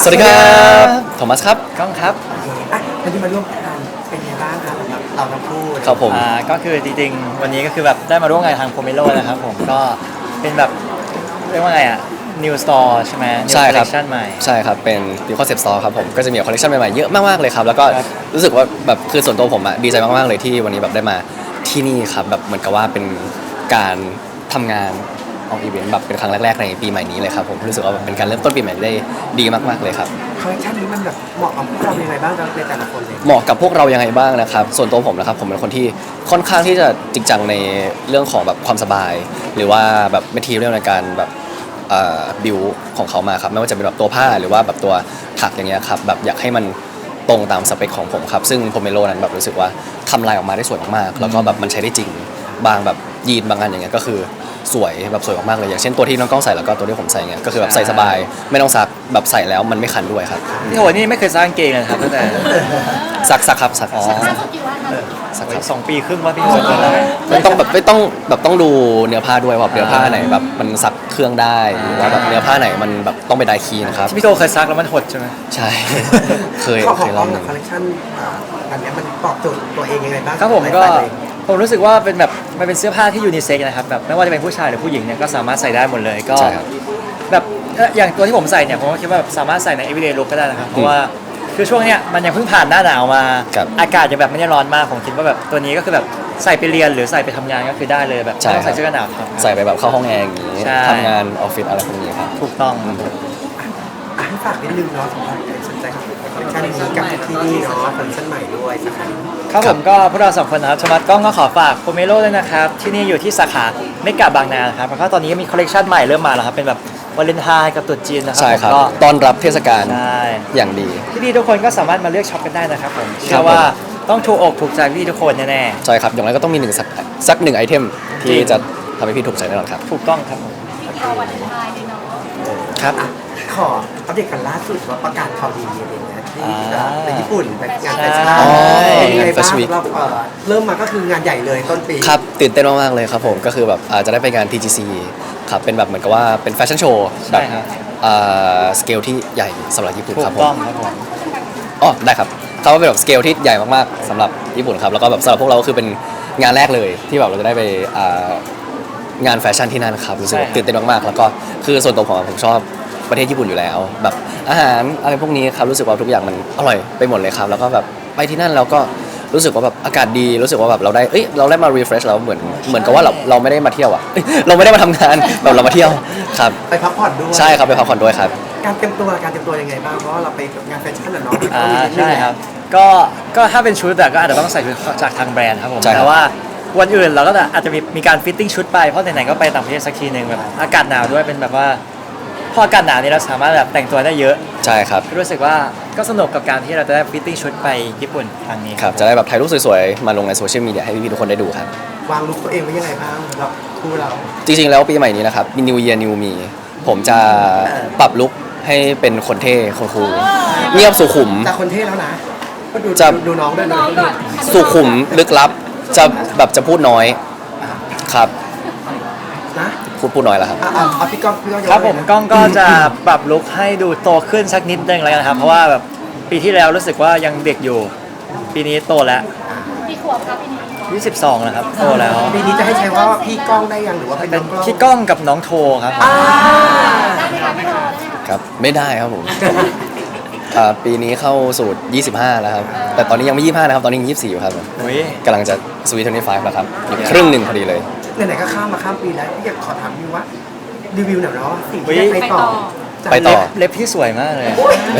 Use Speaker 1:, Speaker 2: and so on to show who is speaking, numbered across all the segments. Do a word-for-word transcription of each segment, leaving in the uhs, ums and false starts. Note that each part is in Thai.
Speaker 1: วัสดีครับโทมัสครับ
Speaker 2: ก้องครับ
Speaker 3: อ่ะวันนี้มาร่วมงานเป็นไงบ้างครับสำหรับเราทั้งคู่
Speaker 1: ครับผม
Speaker 2: อ่าก็คือจริงๆวันนี้ก็คือแบบได้มาร่วมงานทางโพเมโลนะครับผมก็เป็นแบบเรียกว่าไงอ่ะ New Store ใช่ไหม New
Speaker 1: ใช่ครับ
Speaker 2: Collection ใหม่
Speaker 1: ใช่ครับเป็น New Concept Store ครับผมก็จะมีคอลเลคชันใหม่ๆเยอะมากๆเลยครับแล้วก็
Speaker 2: ครับ
Speaker 1: รู้สึกว่าแบบคือส่วนตัวผมอะดีใจมากๆเลยที่วันนี้แบบได้มาที่นี่ครับแบบเหมือนกับว่าเป็นการทำงานออกอีเวนต์แบบเป็นครั้งแรกๆในปีใหม่นี้เลยครับผมรู้สึกว่าแบบเป็นการเริ่มต้นปีใหม่ได้ดีมากๆเลยครับ
Speaker 3: คอลเลคชันนี้มันแบบเหมาะกับพวกเรายังไงบ้างในแต่ละคนเลย
Speaker 1: เหมาะกับพวกเรายังไงบ้างนะครับส่วนตัวผมนะครับผมเป็นคนที่ค่อนข้างที่จะจริงจังในเรื่องของแบบความสบาย หรือว่าแบบแมททีเรียลในการแบบบิวของเขามาครับไม่ว่าจะเป็นแบบตัวผ้าหรือว่าแบบตัวถักอย่างเงี้ยครับแบบอยากให้มันตรงตามสเปคของผมครับซึ่งโพเมโลนั้นแบบรู้สึกว่าทำลายออกมาได้สวยมากๆแล้วก็แบบมันใช้ได้จริงบางแบบยีนบางอันอย่างเงี้ยก็คือสวยแบบสวยมากๆเลยอย่างเช่นตัวที่น้องกล้องใส่แล้วก็ตัวที่ผมใส่เงี้ยก็คือแบบใส่สบายไม่ต้องซักแบบใส่แล้วมันไม่คันด้วยครับ
Speaker 2: พี่โหนี่ไม่เคยสร้างเกงเลยนะครับตั้งแต่
Speaker 1: ซักซักครับซัก
Speaker 2: อ๋อ
Speaker 1: ซักครับ
Speaker 2: สองปีครึ่งว่าพี่โหแล้วนะ
Speaker 1: ไม่ต้องแบบไม่ต้องแบบต้องดูเนื้อผ้าด้วยว่าเนื้อผ้าไหนแบบมันซักเครื่องได้หรือว่าแบบเนื้อผ้าไหนมันแบบต้องไปไดคีนะครับ
Speaker 2: ที่พี่โตเคยซักแล้วมันหดใช่ไหม
Speaker 1: ใช่ เคย
Speaker 3: ข้อข
Speaker 1: เค
Speaker 3: อง
Speaker 1: ย
Speaker 3: ก
Speaker 1: ล
Speaker 3: ล้
Speaker 1: อ
Speaker 3: อง ง
Speaker 1: ห
Speaker 3: กั
Speaker 1: นึ่
Speaker 3: บ
Speaker 1: ง
Speaker 3: คอลเลคชันอันเนี้ยมันตอบโจทย์ตัวเองยังไงบ้าง
Speaker 2: ครับผมก็
Speaker 3: ไลฟ์สไตล์ตัวเอง
Speaker 2: ผมรู้สึกว่าเป็นแบบมันเป็นเสื้อผ้าที่ยูนิเซ็กนะครับแบบไม่ว่าจะเป็นผู้ชายหรือผู้หญิงเนี่ยก็สามารถใส่ได้หมดเลยก็
Speaker 1: ใช่ครับ
Speaker 2: แบบเอ่ออย่างตัวที่ผมใส่เนี่ยผมก็คิดว่าแบบสามารถใส่ใน everyday look ก็ได้นะครับเพราะว่าคือช่วงเนี้ยมันยังเพิ่งผ่านหน้าหนาวมา
Speaker 1: ครับ
Speaker 2: อากาศยังแบบไม่ได้ร้อนมากผมคิดว่าแบบตัวนี้ก็คือแบบใส่ไปเรียนหรือใส่ไปทำงานก็คือได้เลยแบบ
Speaker 1: ใช่
Speaker 2: ไม่ต้อง
Speaker 1: ครั
Speaker 2: ใส่
Speaker 1: บ
Speaker 2: เสื้อกันหนาวครับ
Speaker 1: ใส่ไปแบบเข้าห้องแอร์อย่างนี้
Speaker 2: ใช่
Speaker 1: ทำงานออฟฟิศอะไรพวกนี้ครับ
Speaker 2: ถูกต้อง
Speaker 3: อ่ะให้ฝากนิดนึงเนาะสำหรับใครสนใจคอลเลคชันนี้กับที่นี่เนาะคอลเลคชันใหม่ด้วยสักครั้ง
Speaker 2: ครับผมก็พวกเราสองคนนะครับชมัดกล้องก็ขอฝากโพเมโลด้วยนะครับที่นี่อยู่ที่สาขาเมกะบางนาครับแล้วก็ตอนนี้ก็มีคอลเลคชันใหม่เริ่มมาแล้วครับเป็นแบบวาเลนไทน์กับตรุษจีนนะครั
Speaker 1: ใช่ครับ
Speaker 2: ก็
Speaker 1: ต้อนรับเทศกาล
Speaker 2: ใช่
Speaker 1: อย่างดี
Speaker 2: ที่นี่ทุกคนก็สามารถมาเลือกช็อปกันได้นะครับผม
Speaker 1: ครั
Speaker 2: เชื่
Speaker 1: บ
Speaker 2: อว่าต้องถูกอกถูกใจพี่ทุกคนแน่
Speaker 1: ใช่ครับอย่างไรก็ต้องมีหนึ่งสักสักหนึ่งไอเทมที่จะทำให้พี่ถูกใจแน่นอนครับ
Speaker 2: ๆถูกต้องครับผม
Speaker 4: รอวันเลนไทน์เลยเนาะ
Speaker 2: ครับ
Speaker 3: อ่ะขออัปเดตกันล่าสุดว่าประกาศข่าวดีอะไรอย่างเงี้ยที่
Speaker 2: อ่า
Speaker 3: ไปญี่ปุ่นไปงานแฟชั่น
Speaker 2: อ๋อ
Speaker 3: เป็นยังไงบ้าง
Speaker 1: Fashion Week
Speaker 3: สำหรับเอ่อเริ่มมาก็คืองานใหญ่เลยต้นปี
Speaker 1: ครับตื่นเต้นมากๆเลยครับผมก็คือแบบอาจจะได้ไปงาน ที จี ซี ครับเป็นแบบเหมือนกับว่าเป็นแฟชั่นโชว์แบ
Speaker 2: ใช่
Speaker 1: บ
Speaker 2: ครับ
Speaker 1: สเกลที่ใหญ่สำหรับญี่ปุ่น
Speaker 2: ถู
Speaker 1: ครับ
Speaker 2: ก
Speaker 1: ผม
Speaker 2: ต้องครับผม
Speaker 1: อ๋อได้ครับเขาเป็นแบบสเกลที่ใหญ่มากๆสำหรับญี่ปุ่นครับแล้วก็แบบสำหรับพวกเราก็คือเป็นงานแรกเลยที่แบบเราจะได้ไปอ่างานแฟชั่นที่นั่นครับรู้สึกว่าตื่นเต้นมากๆแล้วก็คือส่วนตัวผมอะผมชอบประเทศญี่ปุ่นอยู่แล้ว แบบอาหารอะไรพวกนี้ครับรู้สึกว่าทุกอย่างมันอร่อยไปหมดเลยครับแล้วก็แบบไปที่นั่นแล้วก็รู้สึกว่าแบบอากาศดีรู้สึกว่าแบบเราได้เอ้ยเราได้มา refresh แล้วเหมือนเหมือนกับว่าเราเราไม่ได้มาเที่ยวอะเอ้ยเราไม่ได้มาทำงานแบบเรามาเที่ยวครับ
Speaker 3: ไปพักผ่อนด้วย
Speaker 1: ใช่ครับไปพักผ่อนด้วยครับ
Speaker 3: การเตรียมตัวการเตรียมตัวยังไงบ้างเพราะว่าเราไปงานแฟชั่นอะเนาะมันก็
Speaker 2: อ่า
Speaker 3: มีนิดนึง
Speaker 2: ใช่ครับก็ก็ถ้าเป็นชุดอะก็อาจจะต้องใส่ชุดจากทางแบรนด์ครับผม
Speaker 1: ใช่ครับ
Speaker 2: แต่ว่าวันอื่นเราก็จะอาจจะมีมีการฟิตติ้งชุดไปเพราะไหนๆก็ไปต่างประเทศสักทีหนึ่งแบบอากาศหนาวด้วยเป็นแบบว่าพออากาศหนาวนี่เราสามารถแบบแต่งตัวได้เยอะ
Speaker 1: ใช่ครับ
Speaker 2: รู้สึกว่าก็สนุกกับการที่เราจะได้ฟิตติ้งชุดไปญี่ปุ่นครั้งนี้
Speaker 1: ครับจะได้แบบถ่ายรูปสวยๆมาลงในโซเชียลมีเดียให้พี่ๆทุกคนได้ดูครับ
Speaker 3: วางลุคตัวเองไว้ยังไงบ้างสำหรับคู่เรา
Speaker 1: จริงๆ แล้วปีใหม่นี้นะครับมี New Year New Me ผมจะปรับลุคให้เป็นคนเท่คนคูลเงียบสุขุม
Speaker 3: จากคนเท่แล้วนะก็ดู
Speaker 1: จะ
Speaker 3: ดูน้องด้วย
Speaker 4: น้
Speaker 3: นะ
Speaker 4: องก่อน
Speaker 1: สุขุมลึกลับ จะแบบจะพูดน้อยครับ
Speaker 3: นะ
Speaker 1: พูดพูดน้อยแล้วครับ
Speaker 3: อ่ะอ่ะเอาพี่ก้องพี่ก้องยก
Speaker 2: ครับผม
Speaker 3: เลยนะ
Speaker 2: ก้องก็จะปรับลุคให้ดูโตขึ้นสักนิดนึงแล้วกันครับเพราะว่าแบบปีที่แล้วรู้สึกว่ายังเด็กอยู่ ปีนี้โตแล้ว
Speaker 4: กี่ขวบครับพี่นี้
Speaker 2: ยี่สิบสองแล้วครับโตแล้ว
Speaker 3: ปีนี้จะให้ใช้ว่าพี่ก้องได้ยังหรือว่าเป็น
Speaker 2: เป็น
Speaker 3: น้องกล้อง
Speaker 2: พี่ก้องกับน้องโทครับ
Speaker 3: อ่า
Speaker 4: ได้ไหมคะพี่โทได้ไหมคะ
Speaker 1: ครับ ไม่ได้ครับผมอ่าปีนี้เข้าสู่ยี่สิบห้าแล้วครับ แต่ตอนนี้ยังไม่ยี่สิบห้านะครับ ตอนนี้ยังยี่สิบสี่อยู่ครับผม
Speaker 2: อุ้ย
Speaker 1: กำลังจะสวีทเทนตี้ไฟฟ์แล้วครับอยู่ครึ่งหนึ่งพอดีเลย
Speaker 3: ไหนๆก็ข้ามมาข้ามปีแล้วพี่อยากขอถามพี่ว่ารีวิวหน่อยเนาะสิ่งที่ได้ไป
Speaker 4: ไป
Speaker 3: ต่อ
Speaker 4: ต่อ
Speaker 3: จาก
Speaker 1: ไปต่อ
Speaker 2: เล็บพี่สวยมากเลย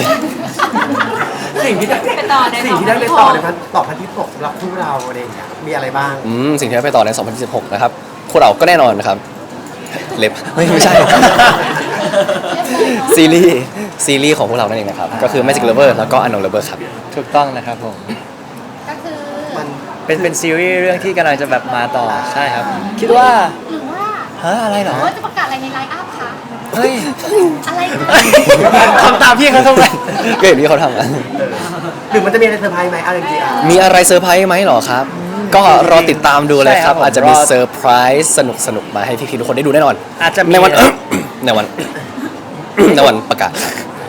Speaker 3: สิ่งที่ได้
Speaker 4: ไปต่อใน
Speaker 3: สิ่งที่ได้ไปต่อในพันต่อพันที่หกสำหรับคู่เราอะไรอย่างเงี้ยมีอะไรบ้าง
Speaker 1: อืมสิ่งที่ได้ไปต่อใน สองพันยี่สิบหก นะครับพวกเราก็แน่นอนนะครับ เล็บไม่ไม่ใช่ ซีรีส์ซีรีส์ของพวกเรานั่นเองนะครับ ก็คือ Magic Lover แล้วก็ Unknown Lover ครับ
Speaker 2: ถูกต้องนะครับผม
Speaker 4: ก็คือ
Speaker 3: มัน
Speaker 2: เป็นเป็นซีรีส์เรื่องที่กำลังจะแบบมาต่อใช่ครับ คิดว่า
Speaker 4: หรือว่า
Speaker 2: ฮะอะไรเหรอ
Speaker 4: หรือว่าจะประกาศอะไรในไลน์อัพคะ
Speaker 2: เฮ้ย
Speaker 4: อะไรคะ
Speaker 2: ทำตามพี่เขาทำไม
Speaker 1: ก็อย่างที่เขาทำอะ
Speaker 3: หรือมันจะมีอะไรเซอร์ไพรส์ไหมอะไรจริงๆ
Speaker 1: มีอะไรเซอร์ไพรส์ไหมเหรอครับ ก็รอติดตามดูเลยครับ
Speaker 2: ใช่ครับผม
Speaker 1: อาจจะมี
Speaker 2: รอ
Speaker 1: เซอร์ไพรส์สนุกสนุกๆมาให้พี่ๆทุกคนได้ดูแน่นอน
Speaker 2: อาจจะมี
Speaker 1: ในวัน ในวัน ในวันประกาศครับ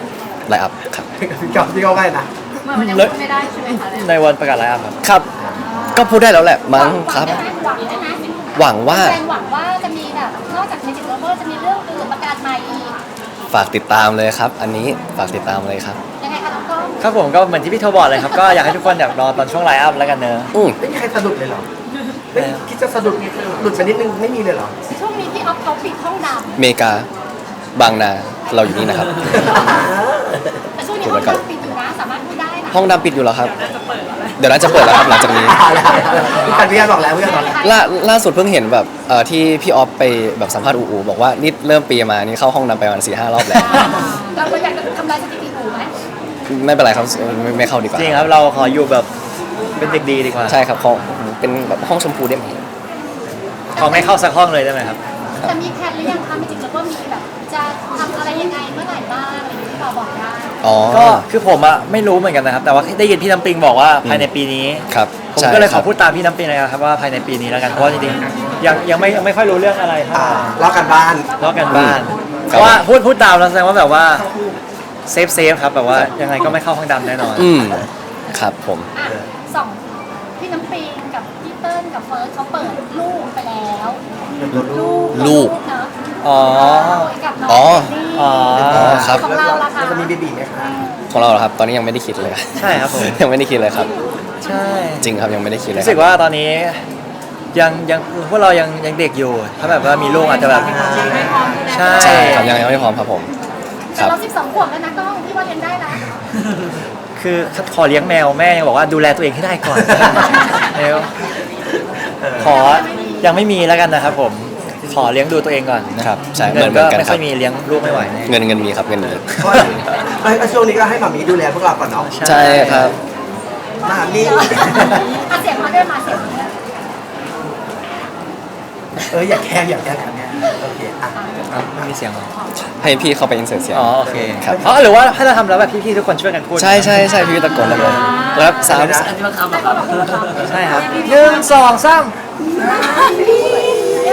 Speaker 1: ไลน์อัพครับ
Speaker 3: พี่กอล์ฟพี่กอล์ฟไงนะ
Speaker 4: เมื่อมันยังพูดไม่ได้ใช่ไหมคะ
Speaker 2: ในวันประกาศไลฟ์อัพครับ
Speaker 1: ครับ ก็พูดได้แล้วแหละมั้งครับ
Speaker 4: หวังได้ไหมหวังได้ไหม
Speaker 1: หวังว่า
Speaker 4: แสดงหวังว่าจะมีแบบนอกจากเมจิกโรเวอร์จะมีเรื่องอื่นประกาศใหม่อีก
Speaker 1: ฝากติดตามเลยครับ อันนี้ฝากติดตามเลยครับ
Speaker 4: ยังไงคะน้องกล้อง
Speaker 2: ครับผมก็เหมือนที่พี่โทบอกเลยครับ ก็อยากให้ทุกคนแบบรอตอนช่วงไลฟ์อัพแล้วกันเนอะ
Speaker 1: อืม
Speaker 3: ไม่มีใครสะดุดเลยเหรอไม่คิดจะสะดุดหลุดไปนิดนึงไม่มีเลยเหรอ
Speaker 4: ช่วงนี้พี่ออฟเขาปิดห้องด
Speaker 1: เมกาบางนาเราอยู่นี่นะครับ
Speaker 4: ำแต่ช่วงนี้ห้องดำปิดอยู่นะสามารถพูดได้นะ
Speaker 1: ห้องดำปิดอยู่แล้วครับ เดี๋ยวน่าจะเปิดแล้วครับหลังจากนี้
Speaker 3: พี่กันพี่กันบอกแล้วพี่กันบอกแล้ว
Speaker 1: ล่าล่าสุดเพิ่งเห็นแบบเอ่อที่พี่ออฟไปแบบสัมภาษณ์อูอูบอกว่านี่เริ่มปีมานี่เข้าห้องดำไปประมาณสี่ห้ารอบแล้ว
Speaker 4: เราก็อยากจะทำลายสถิติหมู่ไหม
Speaker 1: ไม่เป็นไรครับไม่ไม่เข้าดีกว่า
Speaker 2: จริงครับเราขออยู่แบบเป็นเด็กดีดีกว่า
Speaker 1: ใช่ครับเขาเป็นแบบห้องชมพูได้ไหม
Speaker 2: ขอไม่เข้าสักห้องเลยได้ไหมครับ
Speaker 4: แต่มีแพลนหรือยังคะเมจิกโรเวอร์มีแบบจะทำอะไรยังไงเมื่อไหร่บ้างอะไรอย่างที่เราบอกได้
Speaker 1: อ๋อ
Speaker 2: ก็คือผมอะไม่รู้เหมือนกันนะครับ แต่ว่าได้ยินพี่น้ำปิงบอกว่าภายในปีนี้
Speaker 1: ครับ
Speaker 2: ผม
Speaker 1: ใช่
Speaker 2: ก็เลยข
Speaker 1: ครั
Speaker 2: อบ พูดตามพี่น้ำปิงเลยนะครับว่าภายในปีนี้แล้วกันเพราะว่าจริงๆยังยังไม่ยังไม่ค่อยรู้เรื่องอะไรเท่า
Speaker 3: อ่า
Speaker 2: ไหร่
Speaker 3: เล่ากันบ้าน
Speaker 2: ลอกกันบ้าน
Speaker 1: อืม
Speaker 2: เพราะว่าพูดพูดตามแล้วแสดงว่าแบบว่าเซฟเซฟครับแบบว่ายังไงก็ไม่เข้าห้องดำแน่นอน
Speaker 1: อืมครับผม
Speaker 4: อ่ะสองพี่น้ำปิงกับพี่เติ้ลกับเฟิร์สเขาเปิดลูกไปแล้ว ลูก
Speaker 1: ลูก
Speaker 4: เนอะ
Speaker 2: อ๋อ
Speaker 4: กับน้อง
Speaker 1: อ๋อ
Speaker 4: เจนนี่
Speaker 2: อ๋อ
Speaker 1: ครับ
Speaker 4: ของเราล่ะคะ
Speaker 3: แล้วจะมีเบบีไหมคะ
Speaker 1: ของเราเหรอครับ ตอนนี้ยังไม่ได้คิดเลย
Speaker 2: ใช่ครับผม
Speaker 1: ยังไม่ได้คิดเลยครับ
Speaker 2: ใช่
Speaker 1: จริงครับยังไม่ได้คิดเลย
Speaker 2: รู้สึกว่าตอนนี้ยังยังพวกเรายังยังเด็กอยู่ ถ้าแบบว่ามีลูกอาจจะแบบใช่
Speaker 1: ใช่ครับยังยังไม่พร้อมครับผมค
Speaker 4: แต่
Speaker 1: รับ
Speaker 4: เราสิบสองขวบแล้วนะกล้องที่ว่าเรียนได้นะ
Speaker 2: คือขอเลี้ยงแมวแม่ยังบอกว่าดูแลตัวเองให้ได้ก่อนแล้วขอยังไม่มีแล้วกันนะครับผมขอเลี้ยงดูตัวเองก่อนนะครับ
Speaker 1: ใช่เห
Speaker 2: เงิ
Speaker 1: มือน
Speaker 2: น
Speaker 1: เหมื
Speaker 2: ก็
Speaker 1: อนกัน
Speaker 2: ไม่
Speaker 1: ค
Speaker 2: ค่
Speaker 1: รั
Speaker 2: อบ ยมีเลี้ยงลูกไม่ไหวแน่
Speaker 1: เงินเงินมีครับเงินมี
Speaker 3: เพราะไอ้ช่วงนี้ก็ให้หมามีดูแลพวกเราก่อนเนาะ
Speaker 1: ใช่ครับ
Speaker 3: หมามี
Speaker 4: อ่ะเสียงมาด้วยมาเสียงมาด้วย
Speaker 3: เอออย่าแกล้งอย่าแกล้งกันเนี่ยโอเคอ่ะ
Speaker 2: อ้าวไม่มีเสียงเหรอ
Speaker 1: ให้พี่เข้าไปอินเสิร์ตเสียง
Speaker 2: อ๋อโอเค
Speaker 1: ครับ
Speaker 2: อ๋อหรือว่าถ้าเราทำแล้วแบบพี่ๆทุกคนช่วยกันพูด
Speaker 1: ใช่ใช่ใช่พี่ตะโกนแล้วเลยแล้วสาม
Speaker 4: แต่ก็บอกพูดเหรอ
Speaker 2: ใช่ครับหนึ่งสองสาม
Speaker 4: เย้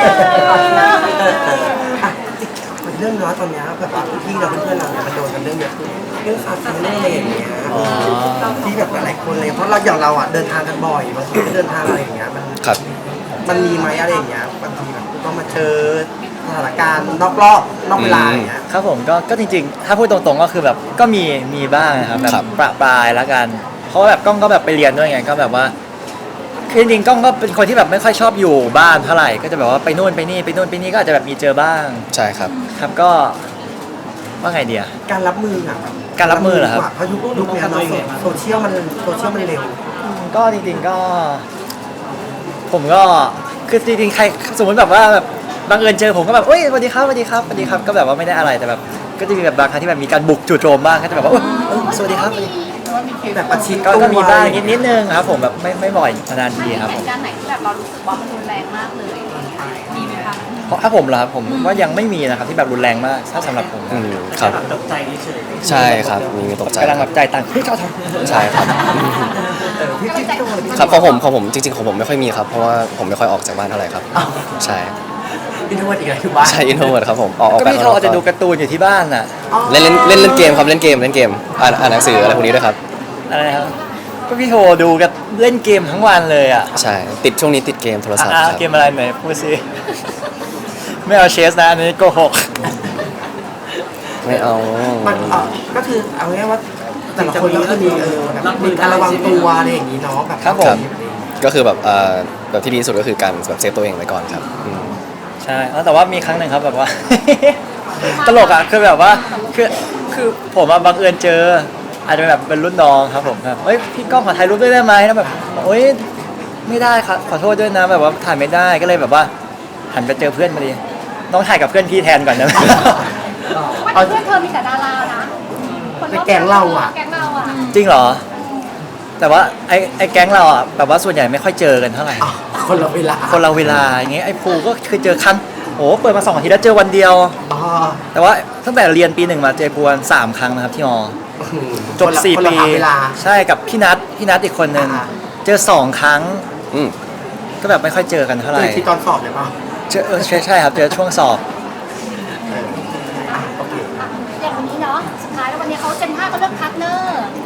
Speaker 3: อ่ะมันเรื่องเนาะตอนเนี้ยแบบว่าพี่เราเพื่อนๆเราเนี่ยมันโดนกันเรื่องเยอะเรื่องฟาสต์ฟู้ดเรื่องอะไรอย่างเงี้ยที่แบบหลายๆคนเลยเพราะเราอย่างเราอ่ะเดินทางกันบ่อยบางทีก็เดินทางอะไรอย่างเงี้ยมัน
Speaker 1: ครับ
Speaker 3: มันมีไหมอะไรอย่างเงี้ยบางทีแบบต้องมาเจอสถานการณ์นอกรอบนอกเวลาอย่างเงี้ย
Speaker 2: ครับผมก็ก็จริงๆ ถ้าพูดตรงๆก็คือแบบก็มีมีบ้างนะครับแบ
Speaker 1: ครับ บ
Speaker 2: ประปรายแล้วกัน เพราะว่าแบบกล้องก็แบบไปเรียนด้วยไงก็แบบว่าคือจริงๆกล้องก็เป็นคนที่แบบไม่ค่อยชอบอยู่บ้านเท่าไหร่ก็จะแบบว่าไปนู่นไปนี่ไปนู่นไปนี่ก็อาจจะแบบมีเจอบ้าง
Speaker 1: ใช่ครับ
Speaker 2: ครับก็ว่าไงเดีย
Speaker 3: การรับมืออะ
Speaker 2: การรับมือเหรอครับ
Speaker 3: เพราะยุคยุคเนี้ยเนาะโซเชียลมันโซเชียลมันเร็ว
Speaker 2: ก็จริงๆก็ ผมก็คือจริงๆใครสมมติแบบว่าแบบบังเอิญเจอผมก็แบบเอ้ยสวัสดีครับสวัสดีครับสวัสดีครับก็แบบว่าไม่ได้อะไรแต่แบบก็จะมีแบบบางครั้งที่แบบมีการบุกจู่โจมบ้างก็จะแบบว่าเอ้ยเอ้ยสวัสดีครับ
Speaker 4: มีหรือว่ามีเคส
Speaker 3: แบบประชิด
Speaker 2: ก็
Speaker 3: ตัว
Speaker 2: ก็มีบ้างนิดนิดนึงครับผมแบบไม่ไม่บ่อยนานๆทีครับ
Speaker 4: เห
Speaker 2: ผม
Speaker 4: ตุการณ์ไหนที่แบบเรารู้สึกว่ามันรุนแรงมากเลยมีไหมคะ
Speaker 2: เพราะถ้าผมเหรอครับผมว่ายังไม่มีนะครับที่แบบรุนแรงมากถ้าสำหรับผม
Speaker 1: อืมครับ
Speaker 2: ตกใจเฉย
Speaker 1: ใช่ครับมีมีตกใจ
Speaker 2: กำลังแบบใจต่างเฮ้ยเจ้าทำ
Speaker 1: ใช่ครับ
Speaker 3: เออพี่พี่พี่โดนพี่
Speaker 1: ครับของผมของผมจริงๆของผมไม่ค่อยมีครับ เพราะว่าผมไม่ค่อยออกจากบ้านเท่าไหร่ครับ ใช่
Speaker 3: พี่โดนอีกแล้วอยู่บ้าน
Speaker 1: ใช่อินโทรเวิร์ดครับผมออกออก
Speaker 2: ก็
Speaker 1: ไป
Speaker 2: พี่
Speaker 1: ข้าง
Speaker 2: โท
Speaker 1: นอก
Speaker 2: อาจจะดูการ์ตูนอยู่ที่บ้านน่ะ
Speaker 1: เล่นเล่นเล่นเล่นเกมครับเล่นเกมเล่นเกมอ่านอ่านหนังสืออะไรพวกนี้ด้วยครับ
Speaker 2: อะไรนะครับก็พี่โทดูกับเล่นเกมทั้งวันเลยอ่ะ
Speaker 1: ใช่ติดช่วงนี้ติดเกมโทรศัพท์
Speaker 2: อ่า
Speaker 1: ครับ
Speaker 2: เกมอะไรไหนพูดสิ ไม่เอาเชสนะอันนี้โกหก
Speaker 1: ไม่เอา
Speaker 3: มันเอ่อก็คือเอาง่ายๆว่าแต่ละคนก็คือมีเออแบบมีการระวังตัวอะไรอย่างนี้เนาะแบบ
Speaker 2: ครับผม
Speaker 1: ก็คือแบบเอ่อแบบที่ดีที่สุดก็คือการแบบเซฟตัวเองไว้ก่อนครับอืม
Speaker 2: ใช่แล้วแต่ว่ามีครั้งหนึ่งครับแบบว่า ตลกอ่ะคือแบบว่าคือคือผมอะบังเอิญเจอ อาจจะเป็นแบบเป็นรุ่นน้องครับผมแบบเฮ้ยพี่ก้องขอถ่ายรูปด้วยได้ไหมแล้วแบบโอ๊ยไม่ได้ครับขอโทษด้วยนะแบบว่าถ่ายไม่ได้ก็เลยแบบว่า หันไปเจอเพื่อนมาดิน้องถ่ายกับเพื่อนพี่แทนก่อนนะ
Speaker 4: ว่าเพื่อนเธอมีแต่ดารานะคนรอบข้งแก๊งเราอ่ะ
Speaker 2: จริงเหรอ แต่ว่าไอ้ไอ้แก๊งเราอ่ะแบบว่าส่วนใหญ่ไม่ค่อยเจอกันเท่าไหร่
Speaker 3: อ้าวคนละเวลา
Speaker 2: คนเราเวลาอย่างเงี้ยไอ้ภูก็เคยเจอครั้งโอ้เปิดมาสองอาทิตย์แล้วเจอวันเดียว
Speaker 3: อ๋อ
Speaker 2: แต่ว่าตั้งแต่เรียนปีหนึ่งมาเจอภูวันสามครั้งนะครับที่มอจบ
Speaker 3: คนละ
Speaker 2: สี่
Speaker 3: คนละ
Speaker 2: ปี
Speaker 3: หาเวลา
Speaker 2: ใช่กับพี่นัทพี่นัทอีกคนนึง
Speaker 3: อ่า
Speaker 2: เจอสองครั้ง
Speaker 1: อืม
Speaker 2: ก็แบบไม่ค่อยเจอกันเท่าไห
Speaker 3: เจ
Speaker 2: ร่
Speaker 3: อที่ตอนสอบเลยป่ะ
Speaker 2: เจอเออใช่ใช่ครับเจอช่วงสอบ
Speaker 3: เอออ่ะโอเค
Speaker 4: อย่างวันนี้เนาะสุดท้ายแล้ววันนี้เขา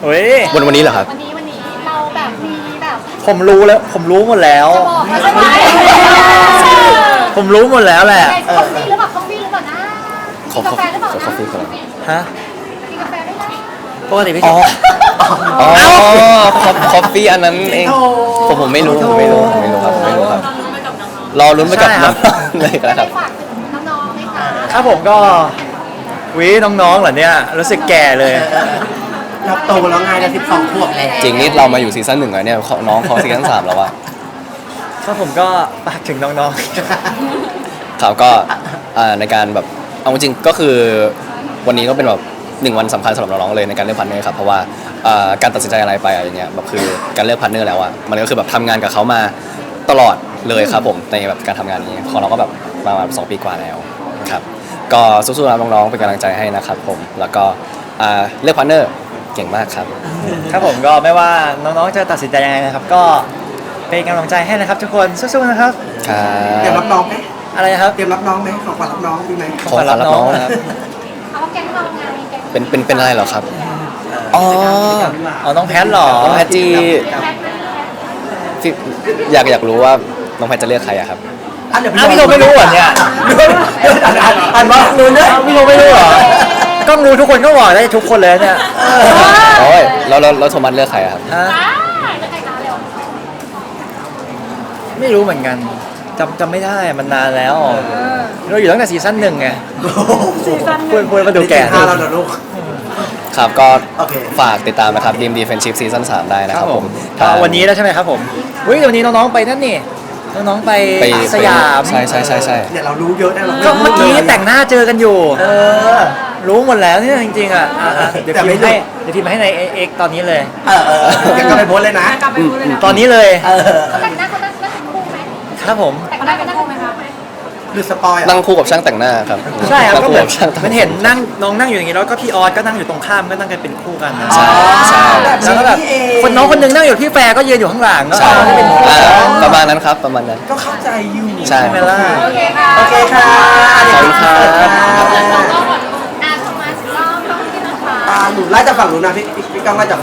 Speaker 2: เฮ้ย
Speaker 1: วันวันนี้เหรอครับ
Speaker 4: วันนี้วันนี้เราแบบมีแบบ
Speaker 2: ผมรู้แล้วผมรู้หมดแล้ว
Speaker 4: จะบอกแล้วใช่ไหม
Speaker 2: ผมรู้หมดแล้วแหละ
Speaker 4: คอฟฟี่หรือเปล่าคอฟฟี่หรือเปล่านะกินกาแฟหรือเปล่า
Speaker 1: ขอ
Speaker 4: นะ
Speaker 1: คอฟฟี่ก่อน
Speaker 2: ฮะ
Speaker 4: กินกาแฟได้นะ
Speaker 2: ปกติพี่
Speaker 1: อ๋
Speaker 2: ช
Speaker 1: อ
Speaker 2: อบ
Speaker 1: อ๋อคอฟคอฟฟี่อันนั้นเองผมผมไม่รู้ผมไม่รู้ผมไม่รู้ครับผมไม่รู้ครับรอลุ้นไปกับน้องๆเลยก็
Speaker 4: จะ
Speaker 1: ได้ค
Speaker 4: ได้
Speaker 1: รับ
Speaker 4: ฝากถึงน้องๆไหมคะ
Speaker 2: ครับผมก็วิน้องๆเหรอเนี่ยรู้สึกแก่เลย
Speaker 3: เราโตแล้วไงเราสิบสองขวบแล้ว
Speaker 1: จริงนี่เรามาอยู่ซีซั่นหนึ่งแล้วเนี่ยเขาน้องเขาซีซั่นสามแล้วอะ
Speaker 2: ครับผมก็ฝากถึงน้อง
Speaker 1: ครับก็อ่าในการแบบเอาจริงๆก็คือวันนี้ก็เป็นแบบหนึ่งวันสำคัญสำหรับน้องๆเลยในการเลือกพาร์ทเนอร์ครับเพราะว่าอ่าการตัดสินใจอะไรไปอะไรเงี้ยแบบคือการเลือกพาร์ทเนอร์แล้วอะมันก็คือแบบทำงานกับเขามาตลอดเลยครับผมในแบบการทำงานนี้ของเราก็แบบมาแบบสองปีกว่าแล้วครับก็สู้ๆนะน้องๆเป็นกำลังใจให้นะครับผมแล้วก็อ่าเลือกพาร์ทเนอร์เก่งมากครับ
Speaker 2: ๆ ครับผมก็ไม่ว่าน้องๆจะตัดสินใจยังไงนะครับ ก็เป็นกำลังใจให้นะครับทุกคนสู้ๆนะครับ
Speaker 1: ครั
Speaker 3: เตรียม
Speaker 1: บ
Speaker 3: รับน้องไหม
Speaker 2: อะไรนะครับ
Speaker 3: เตรียมรับน้องไหมของขวัญรับน้องดีไหม
Speaker 1: ของขวัญรับน้องนะครับ
Speaker 4: เอาว่าแก๊งเราไงแก๊ง
Speaker 1: เป็นเป็นเป็นอะไรเหรอครับอ๋อ
Speaker 2: อ๋อน้องแพทเหรอ
Speaker 1: น้องแพทจี
Speaker 4: แพ็คไหม
Speaker 1: ที่อยากอยากรู้ว่าน้องแพทจะเลือกใครอะครับ
Speaker 3: อ่ะเดี๋ยว
Speaker 2: อ้าวพี่โทไม่รู้เหรอเนี่ย
Speaker 3: อ่านอ่านอ่านว่ารู้เนี่ย
Speaker 2: อ้าวพี่โทไม่รู้เหรอ กล้องรู้ทุกคนก็บอกได้ทุกคนเลยเนี่ย
Speaker 1: โอ้ยแล้วแล้วแล้วโทมัสเลือกใครอะครับ
Speaker 2: ฮะ
Speaker 4: ได้แล้วใครมาเร็ว
Speaker 2: ไม่รู้เหมือนกันจำจำไม่ได้มันนานแล้วเราอยู่ตั้งแต่ซีซั่นหนึ่งไงพูดพูดมาดูแก่
Speaker 3: ห้าแล้วเหรอลูก
Speaker 1: ครับก็
Speaker 3: โอเค
Speaker 1: ฝากติดตามนะครับดีมดีเฟนชิพซีซั่นสามได้นะ
Speaker 2: ค
Speaker 1: ค
Speaker 2: รั
Speaker 1: รั
Speaker 2: บบ ผ
Speaker 1: ผม ม
Speaker 2: ก็วันนี้แล้วใช่ไหมครับผมอุ้ยวันนี้น้องๆไปนั่นนี่น้องๆไป
Speaker 1: ไป
Speaker 2: สยาม
Speaker 1: ใช่ใช่ใช่ใช่
Speaker 3: เนี่ยเรารู้เยอะนะเรา
Speaker 2: ก็เมื่อกี้แต่งหน้าเจอกันอยู่
Speaker 3: เออ
Speaker 2: รู้หมดแล้วเนี่ยจริงๆอ่ะอ่ะอ่ะเดี๋ยว
Speaker 3: แต่
Speaker 2: พิ
Speaker 3: ไม่
Speaker 2: มพ์ให้
Speaker 3: รู้
Speaker 2: เดี๋ยวพิมพ์ให้ในเอ็กตอนนี้เลย
Speaker 3: เออเออเดี๋ยวก็ไปโพสต์เลยนะ
Speaker 2: ตอนนี้เลย
Speaker 3: เออ
Speaker 4: แต่งหน้าเขานั่งนั่งเป็นคู่ไหม
Speaker 2: ครับผม
Speaker 4: แต่งหน้าเป็นคู่ไหมคะ
Speaker 3: หรือสปอยล์
Speaker 1: นั่
Speaker 3: อ่ะ
Speaker 1: งคู่กับช่างแต่งหน้าครับ
Speaker 2: ใช่ครับ
Speaker 1: นั่ง
Speaker 2: ก็
Speaker 1: คู่
Speaker 2: เหมือน
Speaker 1: กับช่างแต่ง
Speaker 2: มันเห็นนั่งน้องนั่งอยู่อย่างนี้แล้วก็พี่ออสก็นั่งอยู่ตรงข้ามก็นั่งกันเป็นคู่กันนะ
Speaker 1: ใช่ใช่
Speaker 2: แล้วก็แบบคนน้องคนหนึงนั่งอยู่พี่แฟร์ก็ยืนอยู่ข้างหลังก็
Speaker 1: ใช่
Speaker 2: เอาให้เป็นคู่
Speaker 1: อ่าประมาณนั้นครับประมาณนั้น
Speaker 3: ก็เข้าใจอยู่
Speaker 1: ใช่
Speaker 2: ใช่ไหมล่ะ
Speaker 4: โอเคค่ะ
Speaker 3: โอเคค่ะ
Speaker 1: ขอบคุณครับ
Speaker 4: อ่าโทมัสรอบต้องที่นะคะ
Speaker 3: อ่าหนูไล่จากฝั่งหนูนะพี่พี่ก้องไล่จาก